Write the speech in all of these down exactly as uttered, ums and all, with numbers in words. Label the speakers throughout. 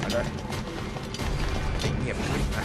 Speaker 1: เงียบขึ้นนะ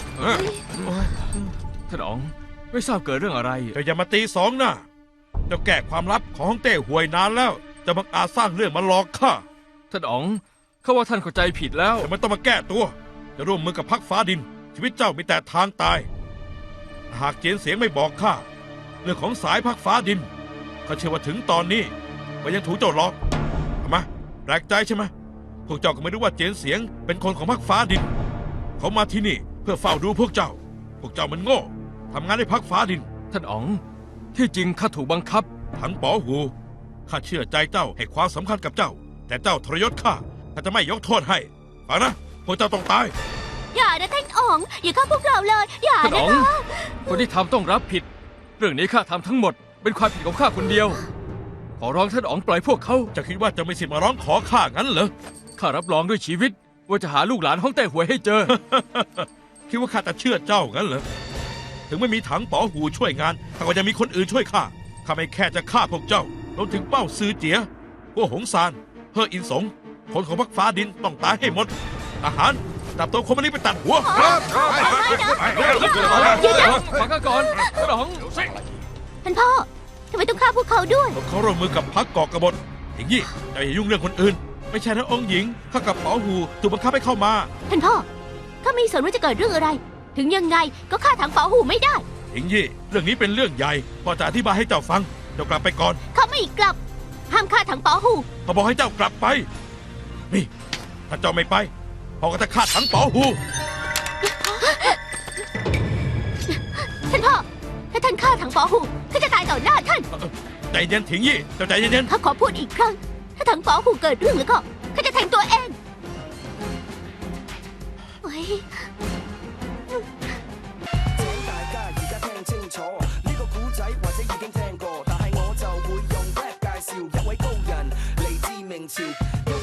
Speaker 2: ท่านอ๋องไม่ทราบเกิดเรื่องอะไร
Speaker 3: เจ้าอย่ามาตีสองหน้าเจ้าแก้ความลับของฮ่องเต้ห่วยนานแล้วจะบังอาจสร้างเรื่องมาหลอกข้า
Speaker 2: ท่านอ๋องข้าว่าท่านเข้าใจผิดแล้ว
Speaker 3: แต่ไม่ต้องมาแก้ตัวจะร่วมมือกับพรรคฟ้าดินชีวิตเจ้ามีแต่ทางตายหากเจียนเสียงไม่บอกข้าเรื่องของสายพรรคฟ้าดินข้าเชื่อว่าถึงตอนนี้ก็ยังถูกเจ้าหลอกทำไมแปลกใจใช่ไหมพวกเจ้าก็ไม่รู้ว่าเจียนเสียงเป็นคนของพรรคฟ้าดินเขามาที่นี่เพื่อเฝ้าดูพวกเจ้าพวกเจ้ามันโง่ทำงานในพรรคฟ้าดิน
Speaker 2: ท่านอ๋องที่จริงข้าถูกบังคับ
Speaker 3: ถังป๋อหูข้าเชื่อใจเจ้าให้ความสำคัญกับเจ้าแต่เจ้าทรยศข้าข้าจะไม่ยกโทษให้ฟังนะพวกเจ้าต้องตาย
Speaker 4: อย่านะท่านอ๋องอย่าฆ่าพวกเราเลยอย่า
Speaker 2: ท่าน
Speaker 4: นะ
Speaker 2: อ๋อง
Speaker 4: คะ
Speaker 2: คนที่ทำต้องรับผิด เรื่องนี้ข้าทำทั้งหมดเป็นความผิดของข้าคนเดียว ขอร้องท่านอ๋องปล่อยพวกเขา
Speaker 3: จะคิดว่าจะไม่สิทธิ์มาร้องขอข้างั้นเหรอ
Speaker 2: ข้ารับรองด้วยชีวิต ว่าจะหาลูกหลานฮ่องเต้หวยให้เจอ
Speaker 3: คิดว่าข้าจะเชื่อเจ้างั้นเหรอถึงไม่มีถังป๋อหูช่วยงานข้าก็ยังมีคนอื่นช่วยข้าข้าไม่แค่จะฆ่าพวกเจ้ารวมถึงเป้าซือเจียพวกหงซานเฮออินสงคนของพรรคฟ้าดินต้องตายให้หมดทหารจับตัวคนมันนี้ไปตัดหัว
Speaker 2: ฟังข้าก่อนท่านอ๋อง
Speaker 4: ท่านพ่อทำไมต้องฆ่าพวกเขาด้วย
Speaker 3: พวกเขาร่วมมือกับพรรคก่อกบฏอย่างนี้เจ้าอย่ายุ่งเรื่องคนอื่น ไม่ใช่นะองค์หญิงข้ากับป๋อหูถูกบังคับให้เข้ามา
Speaker 4: ท่านพ่อข้าไม่สนว่าจะเกิดเรื่องอะไร ถึงยังไงก็ฆ่าถังเป๋าหูไม่ได้
Speaker 3: หญิงยี่เรื่องนี้เป็นเรื่องใหญ่พ่อจะอธิบายให้เจ้าฟังเจ้ากลับไปก่อน
Speaker 4: เขาไม่กลับห้ามฆ่าถังเป๋าหู
Speaker 3: พ่อบอกให้เจ้ากลับไปนี่ถ้าเจ้าไม่ไปพ่อก็จะฆ่าถังป๋อหู
Speaker 4: ท่านพ่อถ้าท่านฆ่าถังเป๋าหูข้าจะตายต่อหน้าท่าน
Speaker 3: ใจเย็นถิงยี่เจ้าใจเย็น
Speaker 4: ข้าขอพูดอีกครั้ง ถ้าถังเป๋าหูเกิดเรื่องแล้วก็ข้าจะแทงตัวเองเฮ้ย
Speaker 5: 請大家而家聽清楚，呢個古仔或者已經聽過，但係我就會用 rap 介紹一位高人嚟自明朝。